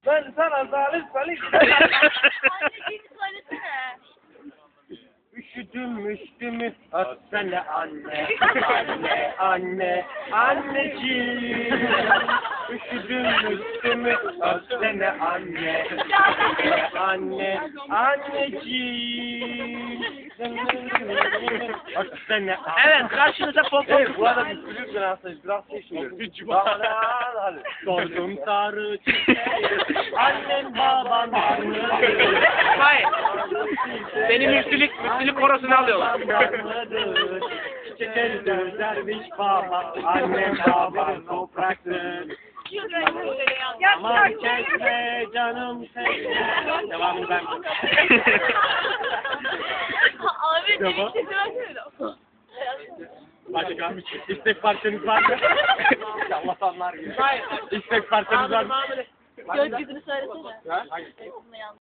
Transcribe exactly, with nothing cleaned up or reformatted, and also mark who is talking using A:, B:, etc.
A: Ben sana zalim salim.
B: Anneciğini söylesene.
A: Üşüdüm üşüdüm ötsene anne. Anne anne anneciğim. Üşüdüm üşüdüm ötsene anne. Anne anneciğim. Ötsene anne.
C: Evet, karşınıza pop pop.
A: Evet, bu arada bir kulüp biraz biraz şey şimdi. Hadi. Sordum sarı çiçeği. Annem babam annem.
C: Hayır. Benim müftülük, müftülük korosunu alıyorlar.
A: Çiçekleri gözlermiş baba. Annem babam topraktır. Aman çekme canım çekme. Devamını ben.
B: Ahmet
A: Tamam.
B: benim sesime söyle.
A: Başka istek parçanız var mı? Allah'tanlar gibi. İstek parçanız var mı?
B: Gökyüzünü söylesene.
A: Ha? Hayır.
B: Sesini yanlış.